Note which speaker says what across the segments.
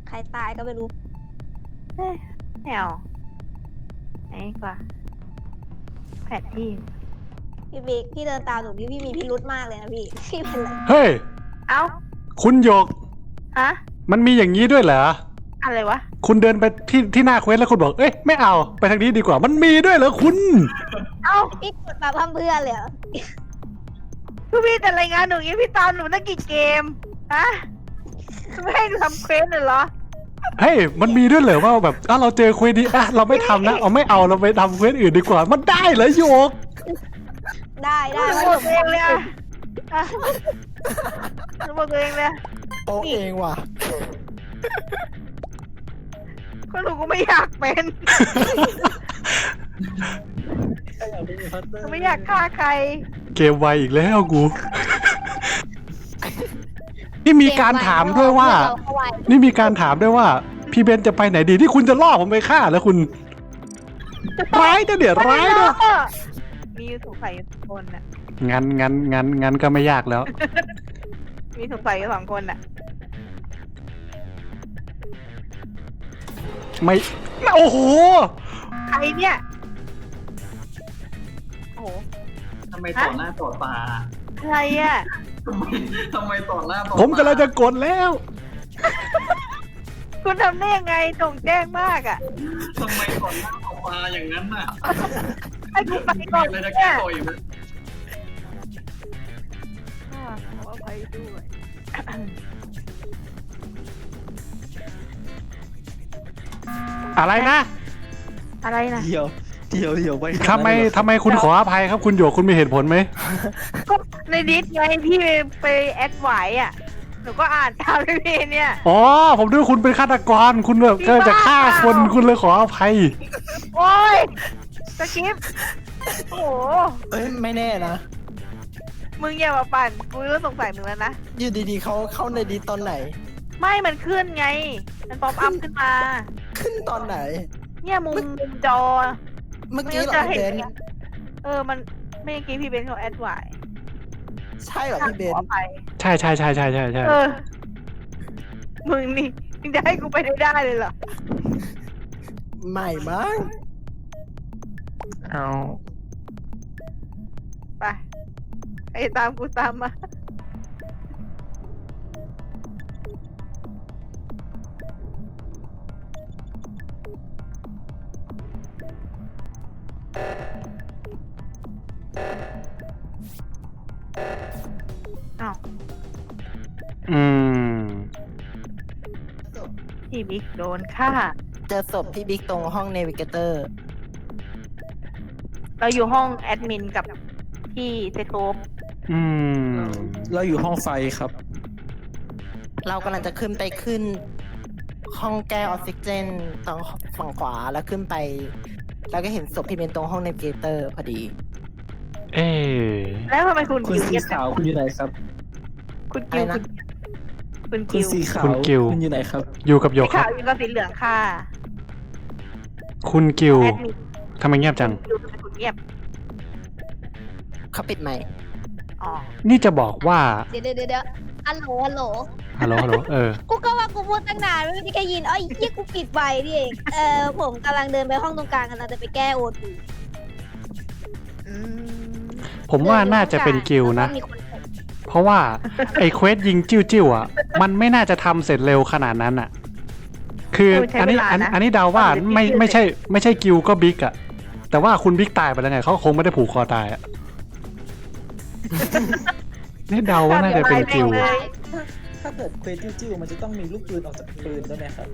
Speaker 1: ใครตายก็ไม่รู้
Speaker 2: แนวไหนกว่าแผนที่
Speaker 1: พี่บิ๊กพี่เดินตามหนูพี่มีพิรุธมากเลยนะพี่เป็นไร
Speaker 3: เฮ้ย
Speaker 2: เอ้า
Speaker 3: คุณหยก
Speaker 2: ฮะ
Speaker 3: มันมีอย่างนี้ด้วยเหรอ
Speaker 2: อะไรวะ
Speaker 3: คุณเดินไปที่หน้าเควสแล้วคุณบอกเอ้ยไม่เอาไปทางนี้ดีกว่ามันมีด้วยเหรอคุณ
Speaker 2: เอ้า
Speaker 1: พี่กดมาพั่มเพื่อนเลยเหรอ
Speaker 2: พี่แต่รายงานหนูอย่างนี้พี่ตามหนูตั้งกี่เกมฮะไม่ให้ทำเควสเลยเหรอ
Speaker 3: เฮ้ยมันมีด้วยเหรอว่าแบบเราเจอเควสนี้เราไม่ทำนะเอาไม่เอาเราไปทำเควสอื่นดีกว่ามันได้เหรอโยก
Speaker 1: ได้
Speaker 2: หนู
Speaker 1: แล้ว
Speaker 2: บอกตัวเองเลยอะหนูบอกตัวเองเลย
Speaker 4: โป๊ะเองว่ะ
Speaker 2: ก็หนูก็ไม่อยากเป็นหนูไม่อยากฆ่าใคร
Speaker 3: เกมไวอีกแล้วกู นี่มีการถามด้วยว่า นี่มีการถามด้วยว่า พี่เบนจะไปไหนดีที่คุณจะล่อผมไปฆ่าแล้วคุณร้ายนะเดี๋ยวร้ายนะ
Speaker 2: มีสงสัยอยู่สองคนน่ะ
Speaker 3: งั้นก็ไม่ยากแล้ว
Speaker 2: มีสงสัยอยู่สองคนน่ะ
Speaker 3: ไม่โอ้โห
Speaker 2: ใครเนี่ยโอ้โห
Speaker 5: ทำไมต่อหน้าต่อตา
Speaker 2: ใครอ่ะ
Speaker 5: ทำไมต่อหน้าต่อตา
Speaker 3: ผมกำลังจะกดแล้ว
Speaker 2: คุณทำได้ยังไงตรงแจ้งมากอ่ะ
Speaker 5: ทำไมต่อหน้าต่อตาอย่างนั้นน่ะ
Speaker 2: ให้กูไป
Speaker 5: มี
Speaker 2: ก่อน
Speaker 5: อะไรจะ
Speaker 2: เนี่
Speaker 5: แก้
Speaker 2: ย
Speaker 5: ตัวอีกไหม
Speaker 2: ขออภัยด้วย
Speaker 3: อะไรนะ
Speaker 2: อะไรนะ
Speaker 4: เดี๋ยวไป
Speaker 3: ทำไมคุณขออภัยครับคุณหยกคุณมีเหตุผลไหม
Speaker 2: ก็ในดิสไงพี่ไปแอดไว้อ่ะหนูก็อ่านตามพี่เนี่ย
Speaker 3: อ๋อผมนึกว่าคุณเป็นฆาตกรคุณแบบก็จะฆ่าคนคุณเลยขออภัย
Speaker 2: โอ้ยสกิปโอ้โห
Speaker 4: เอ้ยไม่แน่นะ
Speaker 2: มึงอย่ามาปั่นกูเริ่มสงสัยมึงแล้วนะ
Speaker 4: อยู่ดีๆเขาเข้าในดีตอนไหน
Speaker 2: ไม่มันขึ้นไง มันป๊อปอัพขึ้นมา
Speaker 4: ขึ้นตอนไหน
Speaker 2: เนี่ยมุมจอ
Speaker 4: เมื่อกี้เหรอ
Speaker 2: จะ
Speaker 4: พี่
Speaker 2: เห็
Speaker 4: เบ
Speaker 2: น
Speaker 4: น
Speaker 2: ไงมันไม่เมื่อกี้พี่เบนเขาแอดไว้
Speaker 4: ใช่เหรอพี่เบน
Speaker 2: ขออภัย
Speaker 3: ใช่ใช่
Speaker 2: มึงนี่มึงจะให้กูไปได้เลยเหรอ
Speaker 4: ไม่มั้ง
Speaker 3: เอา
Speaker 2: ไปไอ้ตามกูตามมา อ้าว
Speaker 3: อืม
Speaker 2: พี่บิ๊กโดนฆ่า
Speaker 4: เจอศพพี่บิ๊กตรงห้องเนวิเกเตอร์
Speaker 2: เราอยู่ห้องแอดมินกับพี่เซโตฟ
Speaker 3: อืม
Speaker 6: เราอยู่ห้องไฟครับ
Speaker 4: เรากำลังจะขึ้นห้องแก้ออกซิเจนตรงฝั่งขวาแล้วขึ้นไป แล้วก็เห็นศพพี่เบนตรงห้องเนวิเกเตอร์พอดี
Speaker 3: เอ๊ะ
Speaker 2: แล้วทำไมคุณ
Speaker 6: คุณ
Speaker 2: กิว
Speaker 6: สี
Speaker 2: เงียบ
Speaker 6: ขาวคุณอยู่ไหนครับ
Speaker 2: คุณกิว
Speaker 4: อะไรนะ
Speaker 2: คุณ
Speaker 6: คุ
Speaker 2: กิ
Speaker 6: ณ
Speaker 2: ว
Speaker 6: สีขาวคุณอยู่ไหนครับ
Speaker 3: อยู่กับหย
Speaker 2: สี
Speaker 3: กครั
Speaker 2: ขา
Speaker 3: บ
Speaker 2: วอยู่กับสีเหลืองค่ะ
Speaker 3: คุณกิว
Speaker 2: แอดมิน
Speaker 3: ทำไมเงียบจัง
Speaker 2: กิวเป็นคนเงียบ
Speaker 4: เขาปิดไหมค์
Speaker 2: อ๋อ
Speaker 3: นี่จะบอกว่า
Speaker 1: เดี๋ยวฮัลโหล
Speaker 3: ฮัลโหล
Speaker 1: กูก็ว่ากูพูดตั้งนานไม่มีใครยินอ๋อไอ้เหี้ยกูปิดไว้นี่เองผมกำลังเดินไปห้องตรงกลางกำลังจะไปแก้โอทู
Speaker 2: อืม
Speaker 3: ผมว่าน่าจะเป็นกิวนะ
Speaker 1: แล้วก็มีคน
Speaker 3: เพราะว่าไอ้เควสยิงจิ้วอ่ะ มันไม่น่าจะทำเสร็จเร็วขนาดนั้นอ่ะ คืออันนี้เดาว่าไม่ใช่กิวก็บิ๊กอ่ะ แต่ว่าคุณบิ๊กตายไปแล้วไงเขาคงไม่ได้ผูกคอตายอ่ะ นี่เดาว่าน่าจะเป็นกิว
Speaker 6: ถ้าเกิดเควสจิ้วๆมันจะต้องมีลูกปืนออกจากปืนด้วยไหมครับ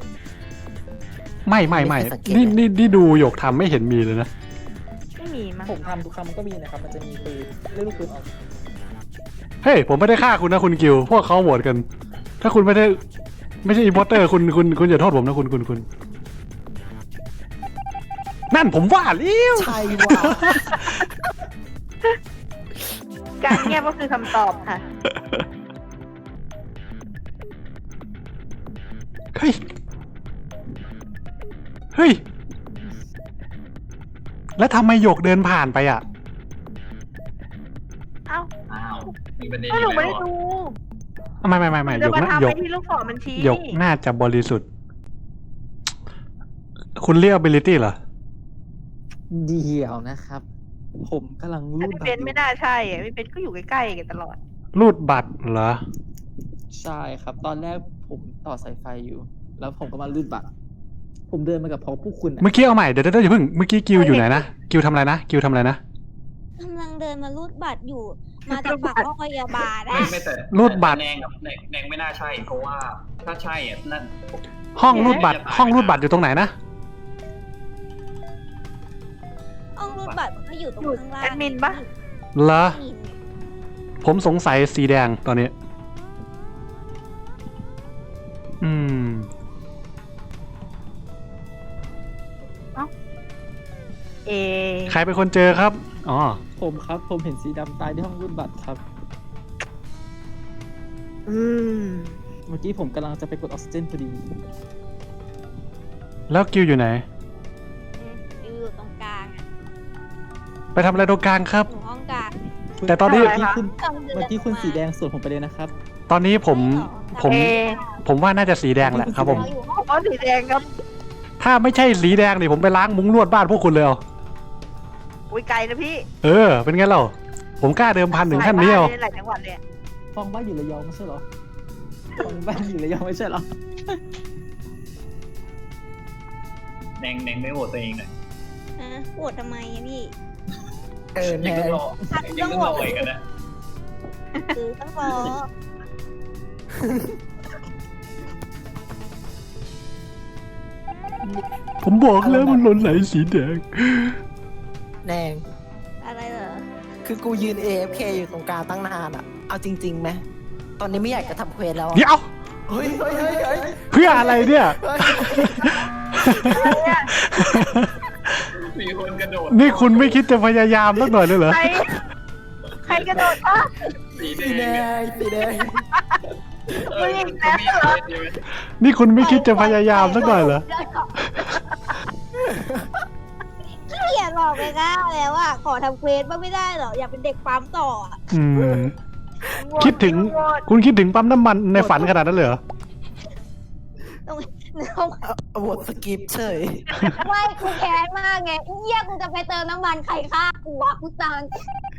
Speaker 3: ไม่นี่ดูหยกทำไม่เห็นมีเลยนะ
Speaker 2: ไม่มีมั้ง
Speaker 6: ผมทำทุกคำก็มีนะครับ มันจะมีปืนเลือกลูกปืนออก
Speaker 3: เฮ้ยผมไม่ได้ฆ่าคุณนะคุณกิวพวกเขาโหวตกัน ถ้าคุณไม่ใช่อิมพอร์เตอร์คุณอย่าโทษผมนะคุณนั่นผมว่าแล้ว
Speaker 4: ใช่ว่ะ
Speaker 2: การเงียบก็คือคำตอบค่ะ
Speaker 3: เฮ้ยแล้วทำไมหยกเดินผ่านไปอ่ะ
Speaker 2: เอ้า
Speaker 5: อ้าวมีประเด็น
Speaker 2: ก็หนู
Speaker 5: อีก
Speaker 2: ไม่
Speaker 5: แล้ว
Speaker 2: ได้
Speaker 5: เหรอ
Speaker 2: ดู
Speaker 3: ไม่ห
Speaker 2: จะ
Speaker 3: ยก
Speaker 2: มา
Speaker 3: นะ
Speaker 2: ทำ
Speaker 3: หย
Speaker 2: ไป
Speaker 3: ก
Speaker 2: ที่ลูกศรมันชี้
Speaker 3: หยกน่าจะบริสุทธิ์ คุณเรียก ability เหรอ
Speaker 6: เดี๋ยวนะครับ ผมกำลังรูด
Speaker 2: พี่
Speaker 6: บัต
Speaker 2: เบ
Speaker 6: ร
Speaker 2: นไม่น่าใช่อะพี่เบนก็อยู่ใกล้ๆกันตลอด
Speaker 3: รูดบัตรเหรอ
Speaker 6: ใช่ครับ ตอนแรกผมต่อสายไฟอยู่ แล้วผมก็มารูดบัตร ผมเดินมากับพวกคุณอะ
Speaker 3: เมื่อกี้เอาใหม่เดี๋ยวอย่าเพิ่งเมื่อกี้กิวอยู่ไหนนะกิวทำอะไรนะกิวทำอะไรนะ
Speaker 1: กำลังเดินมารูดบัตรอยู่ มาจากฝั่งห้องพยาบาลนะ
Speaker 5: ไม่แต่
Speaker 3: รูดบัตร
Speaker 5: แนงกับแนงไม่น่าใช่ เพราะว่าถ้าใช่อ่ะนั่น
Speaker 3: ห้องรูดบัตรอยู่ตรงไหนนะ
Speaker 1: ห้องรูดบัตรมันก็อยู่ตรงข้างล่าง
Speaker 2: แอดมินปะ
Speaker 3: เหรอ
Speaker 1: แอดมิน
Speaker 3: ผมสงสัยสีแดงตอนนี้ อืม
Speaker 2: เอ
Speaker 3: ใครเป็นคนเจอครับ อ๋อ
Speaker 6: ผมครับ ผมเห็นสีดำตายที่ห้องรูดบัตรครับ
Speaker 2: อืม
Speaker 6: เมื่อกี้ผมกำลังจะไปกดออกซิเจนพอดี
Speaker 3: แล้วกิวอยู่ไหน
Speaker 1: อยู่ตรงกลางอ่ะ
Speaker 3: ไปทำอะไรตรงกลางครับ
Speaker 1: อยู่ห้องกลาง
Speaker 3: แต่ตอนนี้
Speaker 6: เมื่อกี้คุณ
Speaker 1: กำลังเดิน
Speaker 6: เมื่อกี้คุณ
Speaker 1: มา
Speaker 6: สีแดงสวนผมไปเลยนะครับ
Speaker 3: ตอนนี้ผม
Speaker 1: ใช่เหรอ
Speaker 3: ผมว่าน่าจะสีแดงแหละครับผม
Speaker 1: เราอยู่ห้อง
Speaker 2: อ๋อสีแดงครับ
Speaker 3: ถ้าไม่ใช่สีแดงนี่ผมไปล้างมุ้งลวดบ้านพวกคุณเลยเอา
Speaker 2: อุ้ยไกลนะพี่
Speaker 3: เออ เป็นไงเราผมกล้าเดิมพันถึงขั้นนี้เอา
Speaker 2: หลายจังหวัดเลยอะ
Speaker 6: ฟองบ้านอยู่ระยองไม่ใช่เหรอ ฟองบ้านอยู่ระยองไม่ใช่เหรอ
Speaker 5: แนงไม่โหวตตัวเองเลย
Speaker 1: โหวตทำไมอะพี่
Speaker 4: แน
Speaker 5: ยัง
Speaker 4: ง
Speaker 5: ต้องรอยังต้องรออีกกันนะ
Speaker 1: คือต้องรอ
Speaker 3: ผมบอกแล้วมันหล่นไหลสีแดง
Speaker 4: แนง
Speaker 1: อะไรเหรอ
Speaker 4: คือกูยืน AFK อยู่ตรงกลางตั้งนานอ่ะ เอาจริงๆไหมตอนนี้ไม่อยากจะทำเควสแล้วอะ
Speaker 3: เดี๋ยว
Speaker 4: เฮ้ย
Speaker 3: เพื่ออะไรเนี่ย
Speaker 5: มีคนกระโดด
Speaker 3: นี่คุณไม่คิดจะพยายามสักหน่อยเลยเหรอ
Speaker 2: ใครกระโดดปะ
Speaker 5: สีแด
Speaker 4: สีแด
Speaker 5: ง
Speaker 4: งสีแดง
Speaker 5: เออมันก็มีเควสอยู่
Speaker 3: นี่คุณไม่คิดจะพยายามสักหน่อยเหรอ
Speaker 1: ขี้เกียจหลอกไปก้าแล้วอ่ะขอทำเควสบ้างไม่ได้เหรอ อยากเป็นเด็กปั๊มต่ออะ
Speaker 3: อืม คิดถึง คุณคิดถึงปั๊มน้ำมันในฝันขนาดนั้นเลยเหรอ
Speaker 1: ต้อง
Speaker 4: โหวตสกิปเฉย
Speaker 1: ไม่กูแค้นมากไงเยี่ยกูจะไปเติมน้ำมันใครฆ่ากูวะกูตัง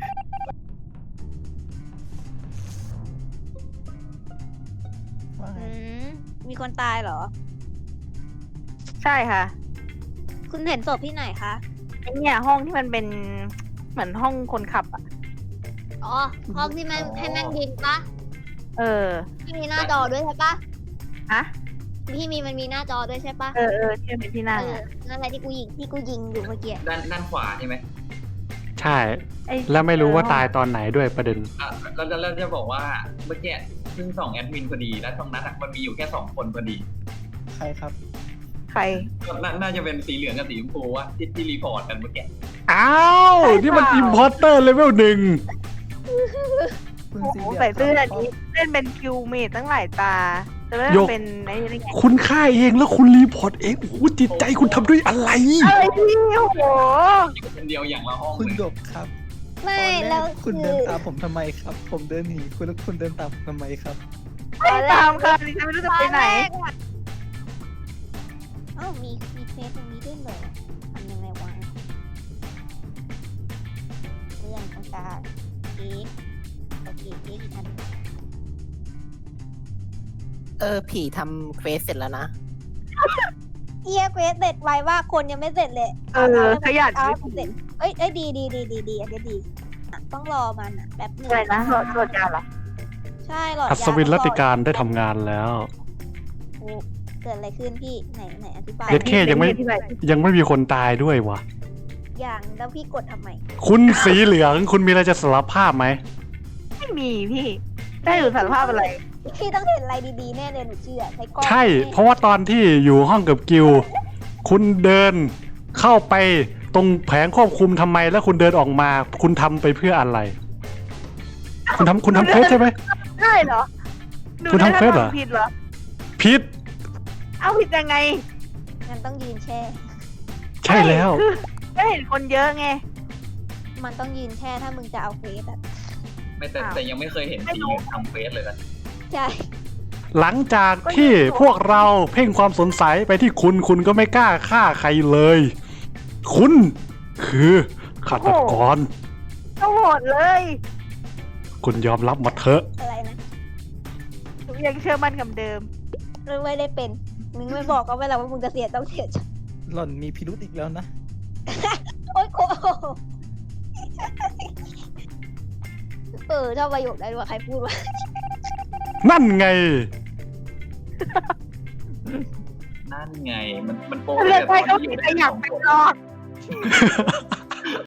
Speaker 1: มีคนตายเหรอ
Speaker 2: ใช่ค่ะ
Speaker 1: คุณเห็นศพที่ไหนคะ
Speaker 2: ไอเนี่ยห้องที่มันเป็นเหมือนห้องคนขับอ่ะ
Speaker 1: อ๋อ ห้องที่มันให้นั่งยิงปะ
Speaker 2: เออ
Speaker 1: ที่มีหน้าจอด้วยใช่ปะ
Speaker 2: ฮะ
Speaker 1: ที่มันมีหน้าจอด้วยใช่ปะ
Speaker 2: เออที่มันเป็นที่นั่ง
Speaker 1: เออ
Speaker 2: อะ
Speaker 1: นั่นแหละที่กูยิงอยู่เมื่อกี้
Speaker 5: ด้านขวาใช่ไหม
Speaker 3: ใช่
Speaker 2: ไอ้
Speaker 3: แล้วไม่รู้ว่าตายตอนไหนด้วยประเด็น
Speaker 5: อ่ะแล้วจะบอกว่าเมื่อกี้เพิ่งส่องแอดมินพอดี แล้วตรงนั้นอะมันมีอยู่แค่2 คนพอดี
Speaker 6: ใครครับ
Speaker 2: ใคร
Speaker 5: ก็น่าจะเป็นสีเหลืองกับสีชมพูว่าที่รีพอร์ตกันเมื่อกี้
Speaker 3: อ้าว นี่มันอิมพอร์เตอร์เลเวล1
Speaker 6: คุณ
Speaker 2: โอ้
Speaker 6: สี
Speaker 2: โห
Speaker 6: เหลือง
Speaker 2: ใส่เสื้อ
Speaker 6: ครับ
Speaker 2: นี้เล่นเป็นคิวเมทตั้งหลายตาแต่ว่า
Speaker 3: โยก
Speaker 2: เป็นไอ้นี่ไง
Speaker 3: คุณฆ่าเองแล้วคุณรีพอร์ตเองโอ้โหจิตใจคุณทำด้วยอะไร
Speaker 2: อะไรพี่โอ้โห
Speaker 5: อยู่คนเดียวอย่างละห้อง
Speaker 6: คุณ
Speaker 5: เลย
Speaker 6: หยกครับ
Speaker 1: ไม่
Speaker 6: ตอนรก
Speaker 1: แล้ว
Speaker 6: คุณ
Speaker 1: คื
Speaker 6: เดิ
Speaker 1: อน
Speaker 6: ตามผมทำไมครับ ผมเดินหนีคุณแล้วคุณเดินตามผมทำไมครับ
Speaker 2: ไม่ตามค่ะดิฉันไม่รู้จะไปไหน
Speaker 1: เอ้ามีเฟซตรงนี้ด้วยเหรอทำยังไงวะเพื่อนตรงกลางเอ๊ะโอเคเอ๊ะอีกอัน
Speaker 4: ผีทำเควสเสร็จแล้วนะ
Speaker 1: เอียเควสเสร็จไวว่าคนยังไม่เสร็จเลย
Speaker 2: เออขยัน
Speaker 1: เอาให้มันเสร็จเอ้ยดีอันนี้ดีอ่ะต้องรอมันอ่ะแป๊บหนึง
Speaker 2: อะไรนะโหลดยาเหรอ
Speaker 1: ใช่หลอด
Speaker 3: อั
Speaker 1: ยา
Speaker 3: ศวินรัตติการได้ทำงานแล้ว
Speaker 1: โอ้เกิดอะไรขึ้นพี่ไหนอธิบาย
Speaker 3: เย็ดเข้ยังไม่มีคนตายด้วยวะ
Speaker 1: อย่างแล้วพี่กดทำไม
Speaker 3: คุณสีเหลืองคุณมีอะไรจะสารภาพไหม
Speaker 2: ไม่มีพี่ได้อยู่สารภาพอะไร
Speaker 1: พี่ต้องเห็นอะไรดีๆแน่เลยหนูเชื่อใช้กล้อง
Speaker 3: ใช่ เพราะว่าตอนที่อยู่ห้องกับกิลคุณเดินเข้าไปตรงแผงควบคุมทำไม แล้วคุณเดินออกมา คุณทำไปเพื่ออะไร คุณทำเควสใช่ไหม
Speaker 2: ได้เหรอ
Speaker 3: คุณทำเควสเหรอ
Speaker 2: ผิดเหรอ
Speaker 3: ผิด
Speaker 2: เอาผิดยังไง
Speaker 1: งั้นต้องยืนแช่
Speaker 3: ใช่แล้ว
Speaker 2: ก็เห็นคนเยอะไง
Speaker 1: มันต้องยืนแช่ถ้ามึงจะเอาเควสอะ
Speaker 5: ไม่แต่ยังไม่เคยเห็นสีเหลืองทำเควสเลยนะ
Speaker 1: ใช่
Speaker 3: หลังจากที่พวกเราเพ่งความสงสัยไปที่คุณก็ไม่กล้าฆ่าใครเลย คุณคือฆาตกร
Speaker 2: ก็โหดเลย
Speaker 3: คุณยอมรับมาเถอะ
Speaker 1: อะไรนะ
Speaker 2: หนูยังเชื่อมั่นกับเดิม
Speaker 1: มึงไม่ได้เป็นมึงไม่บอกก็ไม่แล้วว่ามึงจะเสียต้องเสียใจ
Speaker 6: หล่อนมีพิรุธอีกแล้วนะ
Speaker 1: โอ๊ยโคชอบประโยคได้ด้วยใครพูดวะ
Speaker 3: นั่นไง
Speaker 5: นั่นไงมันโป๊ะ
Speaker 2: เลือกได้ก็ผิดแต่อยากเป็นรอด